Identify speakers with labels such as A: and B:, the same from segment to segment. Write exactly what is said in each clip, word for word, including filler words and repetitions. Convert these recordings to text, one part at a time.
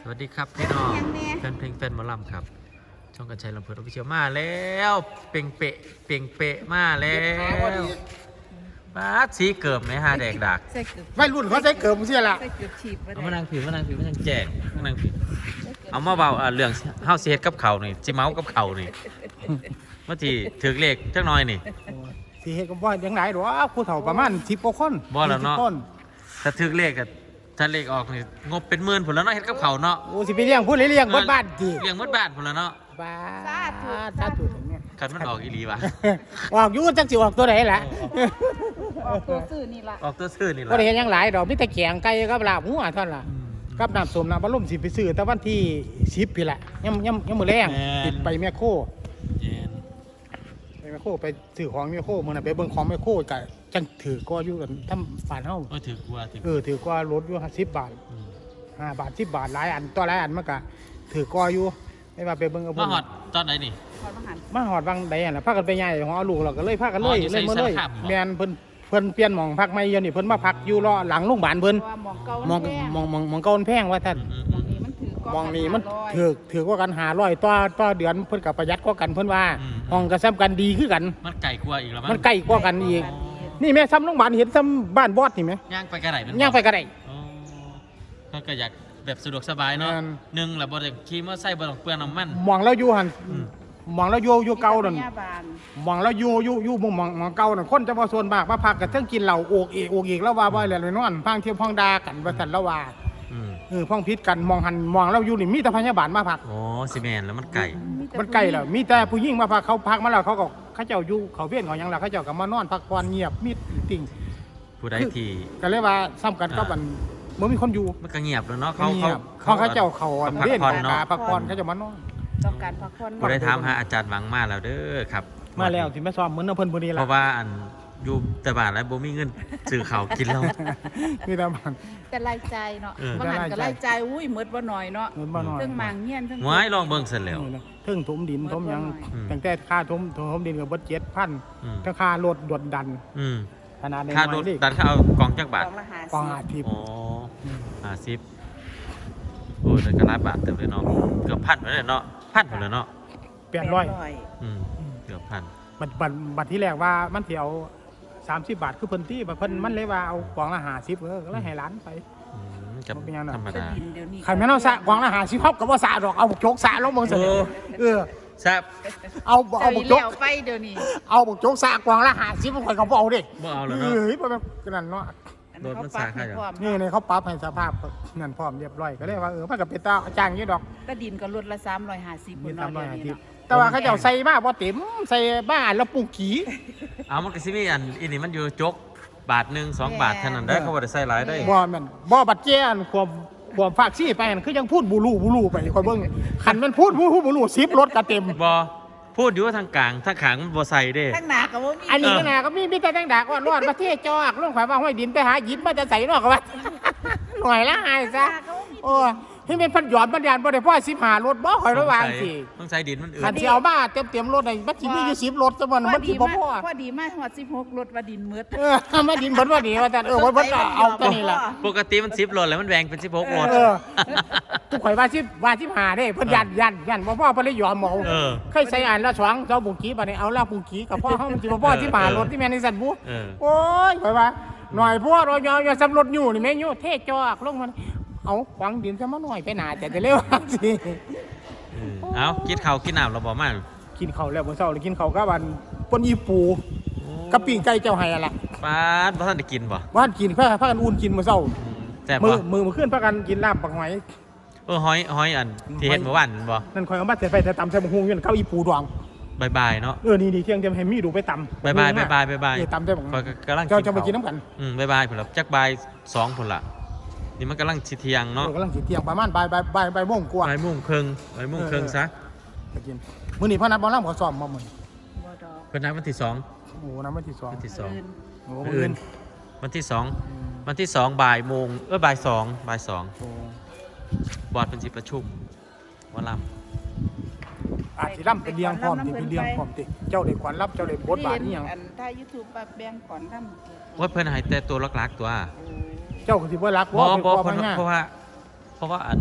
A: สวัสดีครับพี่น้องแฟนเพลงแฟนหมอลำครับช่องกันชัยลำเพลินออฟฟิเชียลมาแล้วเป่งเปะเป่งเปะมาแล้วมาสีเกิบไหมฮะแดกดัก
B: ไม่รุ่นเขาใช้เกิบมึงเสียละ
A: เอามานั่งผิวมานั่งผิวมานั่งแจงมานั่งผิวเอามาเบาเรื่องเฮาเสียดกับเขานี่จิเมากับเขานี่เมื่อที่ถือเลขจักหน่อยนี่
B: สีเฮ็ดก็บ่ยังไงหรอผู้เฒ่าประมาณสิบกว่าคน
A: บ่แล้วเนาะ ถ้าถือเลขกับถ้าเลขออกนี่งบเป็นหมื่นผลแล้วเนาะเฮ็ดกับเขาเนาะ
B: โอ้สิไปเลี้ยงพูดเลี้ยงเบิดบ้านติ
A: เลี้ยงหมดบ้านผลแล้วเนาะ
B: บ้า
C: สาธุ
B: สาธุเนี่ย
A: คันมันออกอีหลีวะ
B: ออกอยู่จังสิออกตัวไหนล่ะ
C: ออกตัวซื่อนี่ล่ะ
A: ออกตัวซื่อนี่
B: บ่
A: ล่ะ
B: ได้เฮ็ดหยังหลายดอกมีแต่แกงไก่กับลาบหมูอ่ะเท่านั้นล่ะกับน้ำส้มน้ำบัลลมสิไปซื้อแต่วันที่สิบพี่ละยำยำยำมื้อแรงติดไปแม่โค
A: เย็น
B: ไปแม่โคไปซื้อของแม่โคมื้อนั้นไปเบิ่งของแม่โคก็จังถือก็อยู่กันทำฝานเฮา
A: ก็ถือกลัวถือ
B: เออถือก็ลดอยู่สิบบาทห้าบาทสิบบาทหลายอันต่อหลายอันมันก็ถือก็อยู่ไม่ว่าไปเบิ่งกับ
A: มาหอดตอนไหนนี่
C: ขอมาหัน
B: มาหอดบางใดอ่ะนะพากันไปใหญ่ของเอาลูกเราก็เลยพากันเลย
A: อ๋ออยู่
B: เลยมาเลย
A: ใส่สารคามเหรอ
B: แม่นเพิ่นเพิ่นเปลี่ยนหม่องพักใหม่เดี๋ยวนี้เพิ่นมาพักอยู่รอหลังโรงพยาบาลเพิ่น
C: ว่าหมองเก่า
B: หมอง
C: แพง
B: หมองหมองหมองเก่ามันแพงว่าท่าน
A: อืม
C: หมองนี้มันถือก
B: หมองนี้มัน
C: ห้าร้อย
B: ถือถือกว่ากันห้าร้อยต่อต่อเดือนเพิ่นก็ประหยัดกว่ากันเพิ่นว่า
A: อืม
B: ห้องก็ซ้ำกันดีคือกัน
A: มันไก่กลัวอีกแล้วมั้ง
B: มันใกล้กว่ากันอีกนี่แม่ซ้ำโรงพยาบาลเห็นซ้ำบ้านบอสนี่ไหม
A: ย่างไปกระไรมัน
B: ย่างไปก็ได้
A: อ๋อเขาก็อยากแบบสะดวกสบายเนาะ
B: แม่น
A: หนึ่งแหละบ่ได้ขี่มอเตอร์ไซค์บ่ต้องเปลืองน้ำมัน
B: หมองเราอยู่หั่น
A: อืม
B: หมองเราอยู่อยู่เก่านั่น
C: มีพยบาล
B: หมองแล้วอยู่อยู่อยู่หมองหมองหมองเก่าน่ะคนจะมาส่วนมากมาพักกันเทั้งกินเหล้าโอกเอกโอกเอกแล้วว่าบ่แล้วเลยนอนพังเที่ยวพังดากันว่าซั่นแล้วว่า
A: อืม
B: เออพังพิษกันมองหันมองแล้วอยู่นี่มีแต่พยาบาลมาพัก
A: โอ้ซีเมนแล้วมันไก่
C: แต่
B: มันใกล้แล้วมีแต่ผู้หญิงมาพักเขาพักมาแล้วเขาก็เขาเจ้าอยู่เขาเวียนเขาหยังล่ะเขาเจ้าก็มานอนพักผ่อนเงียบมิดติ่ง
A: ผู้ใดที่
B: ก็เลยว่าซ้ำกันกับมันบ่มีคนอยู่
A: มันก็เงียบแล้วเนาะเขา
B: เงี
A: เขา
B: ยบเขาเขาเจ้าเขาอัน
A: พัก
B: เวียน
A: ผ่อน
B: กา
A: เนาะ
B: พักผ่อนเขาเจ้ามานอน
C: ต้องการพักผ่อน
A: ผู้ใดถามหาอาจารย์หวังมาแล้วเด้อครับ
B: มาแล้วสิมาซ้อมเหมือนเอาเพิ่นบ่ดี
A: เพ
B: ล่ะ
A: ราะว่าอันอยู่แต่บ้านแล้วบ่มีเงินซื้อข้าวกินแล้ว
B: มีแต่บ้าน
C: แต่รายใจายเนาะ
A: เออ
C: บางหันก็รายใจายอุ้ยหมดบ่หน่อยเนาะ
B: เงินบ่น้อย
C: เรื่องมางเงี้ยนเรื่อง
A: หวายลองเบิ่งเสร็จแล้ว
B: นี่นะเทึ่งถมดินถมหยัง
A: อืม
B: ตั้งแต่ค่าถมถมดินก็เบิดเจ็ดพัน
A: อืม
B: ทั้งค่ารถดวดดัน
A: อืม
B: ขนาดใน
A: ค่ารถดันเขาเอากล่องจักบาท
C: กองละหาก
B: องอาทิตย์
A: โอ้ห้าสิบโอ้ยแต่ก็หลายบาทเต็มเลยเนาะเกือบพันไปเลยเนาะพันไปเลยเนาะ
B: แปดร้อย
A: อืมเกือบพัน
B: บัตรบัตรบัตรที่แรกว่ามันสิเอาสามสิบบาทคือเพิ่นที่บัดเพิ่นมันเลยว่าเอากล่องละห้าสิบเออก็เลยให้ร้านไป
A: อืมกับ
B: มันเป็นยังไง
A: ธรรม
C: จะ
A: ดา
C: ดินเดี๋ยวนี้
B: ใครแม่นเอาสะกล่องละห้าสิบเฮาก็บ่สะดอกเอาบุกโจกสะลงเบิ่งซะเด้อเออ
A: แซ่บ
B: เอาเอา
C: เจ้า
B: บุ
C: อี
B: กโจก
C: แล้วไปเดี๋ยวนี้
B: เอาบุกโจกสะกล่องละห้าสิบข่อยก็บ่เอาเด้
A: บ่เอาแล้ว
B: เอ
A: เนาะ
B: ้ยบ่แบบนั้นเนาะ
C: อัน
A: โดนมัน
C: เขาปัก
A: สาขา
C: ให้
A: อย่าง
C: พร้อม
B: นี่นี่เขาปรับให้สภาพนั่นพร้อมเรียบร้อยก็เลยว่าเออมันก็เป็นตาจ้างอยู่ดอก
C: ก็ดินก็ลดละสามร้อยห้าสิบ
B: มี
C: นเนาะ
B: สามร้อย
C: เดี๋ยว
B: ห้า
C: นี้
B: สิบ
C: เนาะ
B: แต่ว่าเขาเจ้าใส่มาบ่เต็มใส่บ้านแล้วปลูกขี้
A: เอามันก็สิมีอันอีนี่มันอยู่จกบาทหนึ่งสองบาทเท่านั้นได้อเขาบ่ได้ใส่หลายได้อ
B: บ่แม่นบ่บัดเจ้อันความความฝากซี่ไปอันคือยังพูดบูรูบูรูไปคอยเบิ่งคันมันพูดบูรูบูรูสิบรถก็เต็ม
A: บ่พูดอยู่ว่าทางกลางทางขางมันบ่ใส่เด้
C: ทั้งหนาก็บ่มี
B: อันนี้ก็น่ะก็มีมีแต่แตงดากว่ารอดประเทศจอกลงข่อยว่าห้อยดินไปหาหินมาจะใส่นอกก็ว่า หน่อยละหายซะโอ้ที่เป็นพันหยอดมันยานบ่ได้พ่อสิบห้ารถบ่ข่อยระวังสิ
A: ต้องใส่ดินมันอื่
B: คัน
A: น
B: สิเอามาเต็มๆรถได้บัดสิมีอยู่สิบรถซะมันมันสิบ่พอ
C: พอดีมากฮอดสิบหกรถว่าดินมืด
B: เออมาดินเบิดว่าดีว่าแต่เออเบิดเบิดก็เอาตัวนี้ล่ะ
A: ปกติมันสิบโลแล้วมันแบ่งเป็นสิบหกโล
B: เออทุกข่อยว่าสิบว่าสิบห้าเด้เพิ่นยันยันยันบ่พ่อเพิ่นเลยยอมเอา
A: เออ
B: เคยใส่อ่านละสองเจ้าบุงกี้บัดนี้เอาละบุงกี้กับพ่อเฮามันสิบ่พ่อสิบห้ารถที่แม่นในสันบุ
A: เออ
B: โอ้ยข่อยว่าหน่อยพวกเรายอยสำรถอยู่นี่แม่อยู่เทจอกลงมันเอาขวางดินซะมาหน่อยไปหนาแต่จะเร็วสิ
A: เออเอากินข้าวกินน้ำเราบ่มา
B: กินข้าวแล้วมื้อเช้าเลยกินข้าวกับวันปนอีปูกับปิ้งไก่เจ้าไห้อะล่ะ
A: ป้าดบ่ทันได้กินบ่
B: บ้านกินพาพากันอุ่นกินมื้อเช้า
A: อืมแซ่บ
B: มื
A: บ่
B: อมือมื้อคืนพากันกินลาบปักหอย
A: เออหอยหอยอันที่เฮ็ดเมื่อวานนั่นบ่
B: นั่นข่อยเอามาใส่ไฟแต่ตำใส่บักฮุงอยู่นั่นข้าวอีปูดอง
A: บายบายเนาะ
B: เออนี่ๆเที่ยงจะให้มีดูไปตำ
A: บายบายบายบายบายบาย
B: เออตำได้บัก
A: ข้อยก็กำลัง
B: เจ้าจะไป
A: ข้ว
B: กินน้ำกัน
A: อืมบายบายพุ่นละจักบายสองพุ่นละนี่มันกำลังสิเที่ยง
B: เนาะ
A: เนาะ
B: กำลังสิเที่ยงประมาณบ่ายบ่ายบ่ายบ่ายโมงกว่า
A: บ่ายโมงครึ่งบ่ายโมงครึ่งซะ
B: ไปกินมื้อนี้พ่อนัดบ่ล่ำเขาซ้อมมามื้อนี้
C: บ่ดอก
A: เพิ่นนัดวันที่สอง
B: โอ้น้ำวันที่สอง
A: วันที่สอง
C: อื่น
B: โอ้
A: มื้อ
B: มื้อ
A: อื่
B: อื่
A: น
B: น
A: วันที่สองวันที่สองบ่ายโมงเออบ่ายสองบ่ายสอง
B: โอ้
A: บอร์ดเป็นสิประชุมว่าล
B: อาจสิล่ำเป็นเลี้ยงพร้อมติเป็นเลี้ยงพร้อมติเจ้าได้ขวัญรับเจ้าได้บทบาทนี่หยัง
C: อันถ้า YouTube ปะแบ่งก่อนนำ
A: ำว่าเพิ่นให้แต่ตัวลักๆตัว
B: เจ้าก็สิบ่รัก
A: บ่
B: ว่า
A: บ่
B: พ่อ
A: เพิ่น
B: พญา
A: เพราะว่า เพราะว่าอัน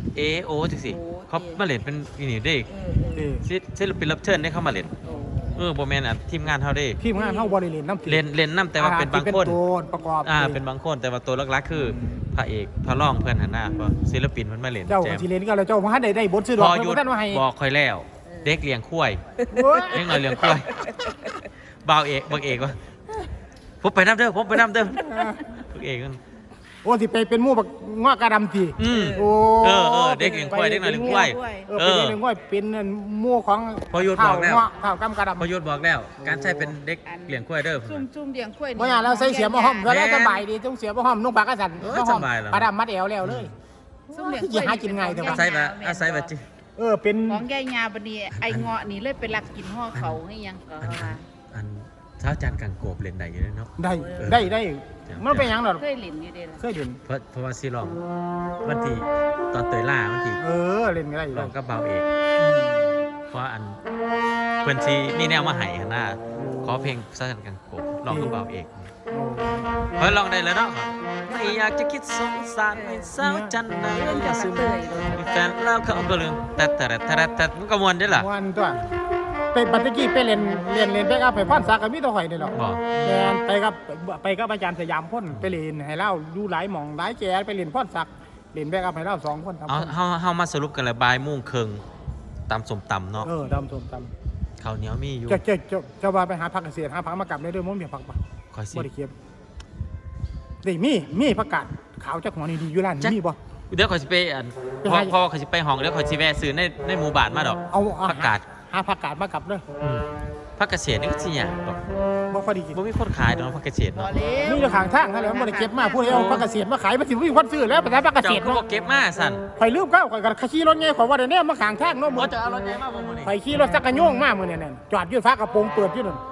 A: เอโอจังสิเขามาเล่นเป็นอีนี่เด้
C: เออเอ
B: เอ
C: อ
B: อ
A: ศิศิลปินรับเชิญได้เข้ามาเล่น
C: โอ้
A: เออบ่แม่นอ่ะทีมงานเฮาเด้
B: ทีมงานเฮาบ่ได้เล่นน้ำ
A: เล่นเล่นนํแต่ว่าเป็นบางคน
B: ที่ตัวประกอบ
A: อ่าเป็นบางคนแต่ว่าตัวหลักๆคือพระเอกพระรองเพื่อนหันหน้าเพราะศิลปินมันมาเล่น
B: เจ้า
A: แจม
B: สิเล่นก็แล้วเจ้าบ่ทันได้ได้บทซื้อด
A: พ
B: อก
A: อหยุด
B: บ่ทันว่าให้
A: บอกคอยแล้ว เด็กเลี้ยงควาย
B: โอ้ย
A: เด็กน้อยเลี้ยงควายบ่าวเอกบักเอกวะผมไปน้ำเด้อผมไปน้ำเด้อบักเอกมัน
B: โอ้สิไปเป็นหมู่บักงอกกระดำติ
A: อืม
B: โอ้
A: เออเออเด็กเลี้ยงควายเด็กน้อยเลี้ยงควาย
B: เออเป็นเรื่องง่อยเป็นหมู่ของ
A: พอหยุดบอกแล้ว
B: ข้าวกำกระดำ
A: พอยุทธบอกแล้ว การใช้เป็นเด็กเลี้ยงควายเด้อ
C: ซุ่มซุ่มเลี้ยงข้วย
B: บ่อยากแล้วใส่เสียบ่ห้อมก็ได้สบายดีต้องเสียบ่ห้อมนุ่งปากกระสัน
A: เออ
B: บ่ห้อม
A: สบายแล้ว
B: ปลาดำมัดแอวแล้วเลย
C: ซุ่มเลี้ยง
B: อย่าหากินง่ายเถอะ
A: อาศัยแบบอาศัยแบบจิ
B: เออเป็น
C: ของยายงาบัดนี้ไอ้เงาะนี่เลยไปลักกินห่อเขาให้ยังก็
A: อัน
C: ว่า
A: อันเช้าจานกังโกบเล่นได้อยู่เลยเนาะ
B: ได้ได้ได้มันเป็นหยังดอก
C: เคยเล่นอยู่เด้ล่ะ
B: เคยเล่น
A: เพราะเพราะว่าซีลองวันที่ตอนเตยล่าวันที่
B: เออเล่นไม่ได้อยู่
A: ล
B: แล้
A: อ
B: ว
A: งกับเบาเอกเพราะอันเพื่อนซีมีแนวมาให้หั้นหน้าขอเพลงเช้าจานกังโกบลองกับเบาเอก เฮ้ยลองได้แล้วเนาะไม่อยากจะคิดสงสารไม่เศร้าจันนะ
C: เรื่องจะมาเตยเลย
A: มีแฟนแล้วเขาก็ลืมแต่แต่แต่แต่แต่มันก็มวนได้ล่ะ
B: วันตัวเป็นบัตรกี้ไปเล่นเล่นเล่นแบกอัพให้พรศักดิ์กับมีตัวข่อยนี่หรอก
A: บอก
B: แมนไปกับไปกับอาจารย์สยามพ่นไปเล่นให้เล่าดูหลายหม่องหลายแกไปเล่นพรศักดิ์เล่นแบกอัพให้เล่าสองคนทำ
A: เอา
B: คน
A: เฮาเฮามาสรุปกันเลยบ่ายโมงครึ่งตำสมตำเนาะ
B: เออดำสมต
A: ข้าวเหนียวมีอยู่
B: ำจะจะจะจะว่าไปหาผักเกษตรหาผักมากลับได้ด้วยมั้งเมียผักปะ
A: คอยสิ
B: บ่ได้เก็บนี่มีมีผักกาดขาวจากหัวนี่ดีอยู่ร้านนี่มีบ่
A: เดี๋ยวคอยสิไปอัน
B: ไป
A: เพราะ
B: หา
A: เพราะว่าคอยสิไปห้องเดี๋ยวคอยสิแวะซื้อในในหมู่บ้านมาดอก
B: เอาเอา
A: ผักกาด
B: หาผักกาดมากลับเลย
A: อืมผักเกษตรนี่ก็สิหยังดอก
B: บ่ค่อยได้กิน
A: บ่มีคนขายดอกผักเกษตร
C: บ่
A: เนาะ
C: เร็ว
B: มีแต่ข้างทางนั่นแหละบ่ได้เก็บมาพูดให้เอาผักเกษตรมาขายมันสิบ่มีคนซื้อแล้วไปหาผักเกษ
A: เจ้า
B: ตร
A: ก็
B: เนาะ
A: บ่เก็บมาสั่น
B: ข่อยลืมเข้าข่อยก็ขี่รถไงข่อยว่าได้แน่มาข้างทางเนาะ
A: บ่
B: มื้อ
A: จะเอารถใหญ่มาบ่มื้อนี้
B: ข่อยขี่รถจักรยานมามื้อนี้นั่นจอดอยู่ฟ้ากระโปรงเปิดอยู่นั่น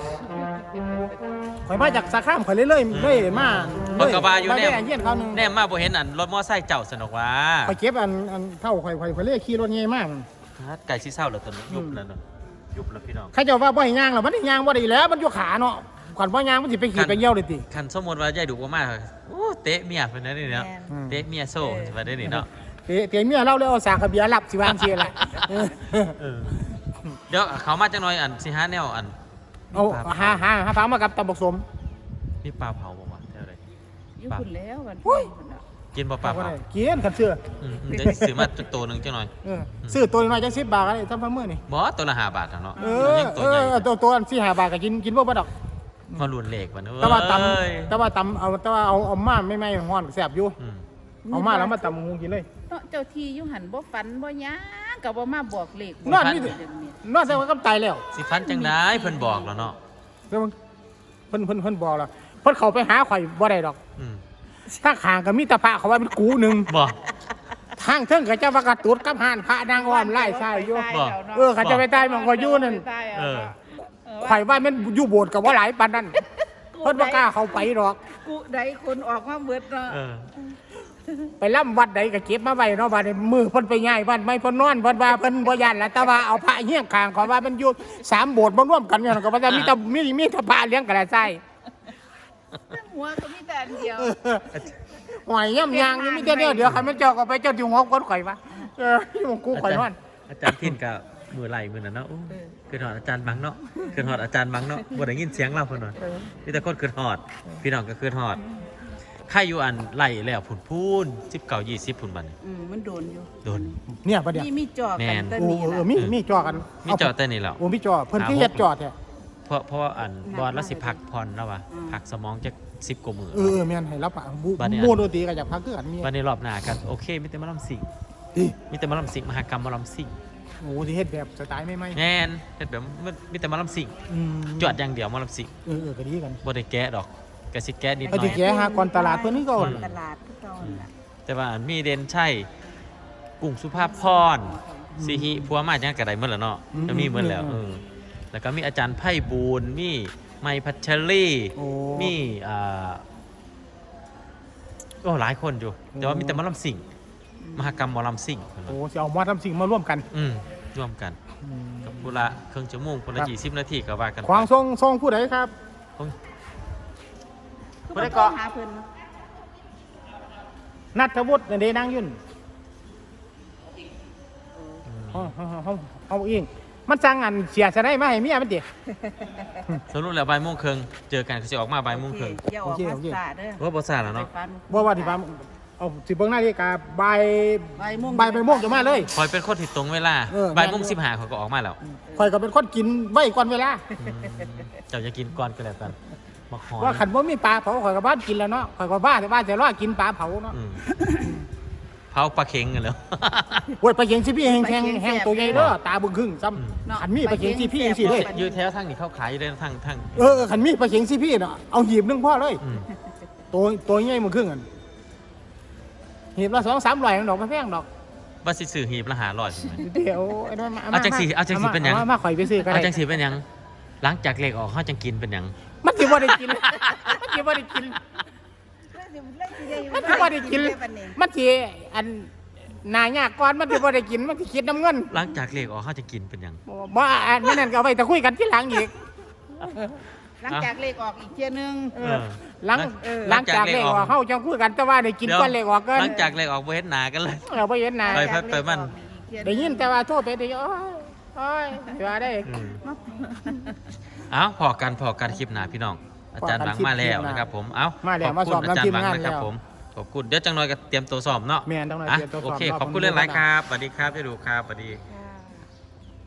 B: ข่อยมาจากสาขามข่อยเลยเลยเลยมา
A: เพิ่นก็ว่าอยู่
B: ไป
A: แน
B: ได้
A: ม
B: เยี่ยนเขาหนึง
A: แนมมาบ่เห็นอันรถมอไซค์เจ้าสนุกว่า
B: ข่อยเก็บอันอันเท่าข่อยข่อยข่อยเลยขี่รถไงมา
A: ไก่สิเศร้าแล้วตอนนี้ยุบแล้วเนาะยุบแล้วพี่น้อง
B: เขาเจ้าว่าบ่ให้ย่างหรอกมันได้ย่างบ่ได้แล้วมันอยู่ขาเนาะขวัญบ่ย่างมันสิไปขี่ไปเยี่ยวเลยติ
A: คันสมมุติว่ายายดุบ่มาโอ้เตะเมียเพิ่นนั่นนี่เนาะ
C: แม่น
B: อืม
A: เตะเมียโซ่สิว่าได้นี่เนาะ
B: เตะเตะเมียเราเลยเอาสากกระเบียรับสิวางเสียล่ะเออ
A: เออเดี๋ยวเขามาจังหน่อยอันสิหาแนวอัน
B: เอาหาหาหาฟังมากับตำบักสม
A: มีปลาเผาบ่วะแถวใด
C: อยู่พุ่นแล้ววัน
B: อุ้ย
C: พุ่นน่ะ
A: กินบ่ปลา
B: บ่
A: เผา
B: ได้เกียนกันเสื้อ
A: อืมอืมเดี๋ยวสิซื้อมาตัวหนึงจังหน่อย
B: เออซื้อตัวน้อยจังสิบบาทก็ได้ทำพันมื้อนี่
A: บ่ตัวละห้าบาทอะเนาะ
B: เออ
A: ยัง
B: เอ
A: ตัวใหญ่
B: อตัวตัวอันสี่ห้าบาทก็กินกินบ่บ่ดอก
A: มารุนเลขวันเอ้ย
B: แต่ว่าตำแต่ว่าตำเอาแต่ว่าเอาเอามาไม่ไม่ฮ้อนแซ่บอยู่
A: อืม
B: เอามาแล้วมาตำงูกินเลย
C: เนาะเจ้าที่อยู่หันบ่ฝันบ่หยังก็บ่มาบอกเลข
B: นอนนี่
C: เดี๋ยวนี้
B: นอนแต่ว่าก็ตายแล้ว
A: สิฟันจังได๋เพิ่นบอกแล้วเนาะ
B: แล้วมันเพิ่นเพิ่นเพิ่นบอกแล้วเพิ่นเข้าไปหาข่อยบ่ได้ดอก
A: อืม
B: ถ้าข้างก็มีแตะพระเขาว่าเป็นกูหนึง
A: บ่
B: ทางเทิงก็จะว่ากระตุดกับหานพระนางอ้อมไล่ใช่อยู่
A: บ่
B: เออเขาจะไปตายมันก็อยู่นั่น
A: เออ
B: ข่อยว่ามันอยู่โบสถ์ก็บ่หลายปานนั้นเพิ่นบ่กล้าเข้าไปหรอก
C: กูใดคนออกมาเบิดเนาะ
A: เออ
B: ไปล่ำวัดใดก็เก็บมาไว้เนาะบัดนี้มือเพิ่นไปย้ายบ้านไม่เพิ่นนอนเพิ่นว่าเพิ่นบ่ย่านแล้วแต่ว่าเอาพระเฮี้ยงข้างขอว่ามันอยู่สามโบสถ์บ่ร่วมกันเนี่ยก็ว่าจะมีแต่มีมีแต่พระเลี้ยงกระไส้
C: หัวก็มีแต่อันเดียว
B: หอยย่ำยางนี่มีแต่เดียวเดี๋ยวคันมันเจ้าก็ไปเจ้าที่หัวคนข่อยวะเออที่หมกูข่อยนอน
A: อาจารย์ทินกับมือไหลมือนั่นเนาะโอ้คือหอดอาจารย์บังเนาะคือหอดอาจารย์บังเนาะบ่ได้ยินเสียงเราเพิ่นว่ามีแต่คนคือหอด พี่น้องก็คือหอดใครอยู่อันไหลแล้วผุนพูนสิบเก้ายี่สิบผุนบัดนี้
C: อืมมันโดนอยู่
A: โดน
B: เนี่ยประเดี๋ยว
C: มีมีจอ
A: แม่
C: กัน
A: น
C: ตะ
B: โอ้
C: นี้
B: เอ
C: ล่ะ
B: อมีมีจอกัน
A: มีจอแต่นี่แล้ว
B: โอ้มีจอเพิ่นที่เฮ็ดจอแท้
A: เพราะเพราะว่าอันบอลละสิพักผ่อนแล้วว่ะพักสมองจักสิบกว่ามื้อ
B: เออเออแม่นให้รับปะบู
A: บัดนี้
B: โมโนตีก็อยากพักคือกันมี
A: วันนี้รอบหน้ากันโอเคมีแต่หมาลำสิง
B: อี
A: มีแต่หมาลำสิงมหากรรมหมาลำสิง
B: โอ้ที่เฮ็ดแบบสไตล์ไม่ไม่
A: แม่นเฮ็ดแบบมันมีแต่หมาลำสิง
B: อืม
A: จวดอย่างเดียวหมาลำสิง
B: เออเออก็ดีกัน
A: บ่ได้แกะดอกก็สิแกะนิดห
B: เอา
A: น่อ
B: ที่
A: ย
B: แกหาก่อนตลาดเพิ่นนี่ก็
C: ก่อนตลาดทุกตอนน่ะ
A: แต่ว่าอันมีเด่นใช่กุ้งสุภาพพรสิฮิพัวมาจังกะไดหมดแล้วเนาะก็มีหมดแล้วเออแล้วก็มีอาจารย์ไพบูลย์มีไมพัชรี
B: โอ้
A: มีอ่าโอ้หลายคนอยู่ แต่ว่ามีแต่หมอลำสิงมหากรรมหมอลำสิง
B: โอ้สิเอามาทำสิ่งมาร่วมกัน
A: อืมร่วมกัน
B: อืม
A: กับพุละเครื่องชั่วโมงพุละยี่สิบนาทีก็ว่ากันไป
B: ขวางทรงทรงผู้ใดครับ
A: โอ้ย
C: คือ
B: บ่ได้
C: บ่
B: เกาะ
C: หาเพิ่น
B: นัทวุฒินั่นเด้นางยุ่นเอาเอาเอาเอาเองมันสั่งอันเสียสะได้มาให้เมียมันติ
A: สรุปแล้วบ่ายโมงครึ่งเจอกันก็สิออกมาบ่ายโมงครึ่ง
C: อย่าออกมาสาเด้อ
A: ว่าบ่ซ่าแล้วเนาะ
C: ไปฟัน
B: บ่ว่าที่ฟาร์มเอาสิเบิ่งนาฬิกาบ่าย
C: บ่ายโมง
B: บ่ายไปโมงจะมาเลย
A: คอยเป็นคนที่ตรงเวลา
B: เออ
A: บ่ายโมงสิบห้าเขาก็ออกมาแล้ว
B: ข่อยก็เป็นคนกินไว้ก่อนเวลา
A: อืมเจ้าจะกินก่อนก็แล้วกันมาขอ
B: ว่าขันบ่มีปลาเผาข่อยก็บ้านกินแล้วเนาะข่อยก็บ้าแต่บ้านจะรอกินปลาเผาเนาะ
A: อืมเผาปลาเค็งกันแล้ว
B: โอ้ยปลาเข็งสิพี่แห้งแห้งแห้งตัวใหญ่เด้อตาบึ้งครึ่งซ้
A: อืม
B: ำขันมีปลาเข็งสิพี่จังซี่เลย
A: อยู่แถวทางนี้เขาขายอยู่ได้ทางทาง
B: เออขันมีปลาเข็งสิพี่เนาะเอาหีบหนึงพอเลย
A: อืม
B: ตัวตัวใหญ่มึงครึ่งอันหีบละสองสามร้อยดอกไม่แพงดอก
A: ว่าสิซื้อหีบละห้าร้อยใช่ไหม
B: เดี๋ยวไอ้นั่นมา
A: เอาจังสิเอาจังสิเป็นหยัง
B: มามาข่อยไปซื้อก็
A: เอา
B: ได้
A: จังสิเป็นหยังหลังจากเลขออกเขาจังกินเป็นหยัง
B: มันสิบ่ได้กินมันสิบ่ได้กิน มันสิบ่ได้กินมันสิอันนายากก่อนมันสิบ่ได้กินมันสิคิดน้ำเงิน
A: หลังจากเลขออกเขาจะกินเป็นหยัง
B: บ่อันนั้นก็เอาไว้แต่คุยกันทีหลังอีก
C: หลังจากเลขออกอีกเที่ยนึง
B: เออหลัง
C: เออ
B: หลังจากเลขออกเฮาจังคุยกันแต่ว่าได้กินก่อนเลขออกเกิน
A: หลังจากเลขออกบ่เห็นหน้ากันเลย
B: เราบ่เห็นหน้า
A: ไป ไปมัน
B: ได้ยินแต่ว่าโทษไปได้โอ้ยโอ้ยว่าได้
A: อืมเอาพอกันพอกันคลิปหน้าพี่น้อง อาจารย์หวังมาแล้วนะครับผมเอา
B: มาแล้ว
A: ข
B: มา
A: อบ
B: ส
A: คุ
B: อบ
A: ณอาจารย์หวัง
B: นำทีมงาน
A: นะครับ
B: แล้ว
A: ผมขอบคุณเดี๋ยวจังหน่อยก็เตรียมตัวสอบเนาะ
B: แม่นจังหน่อย
A: อ่ะ
B: เตรียมตัวสอบ
A: โอเค
B: รอบ
A: ขอบคุณ
B: คนดู
A: หลาย
B: ก่อน
A: ๆครับสวัสดีครับจะดูครับสวัสดี
C: ค่ะ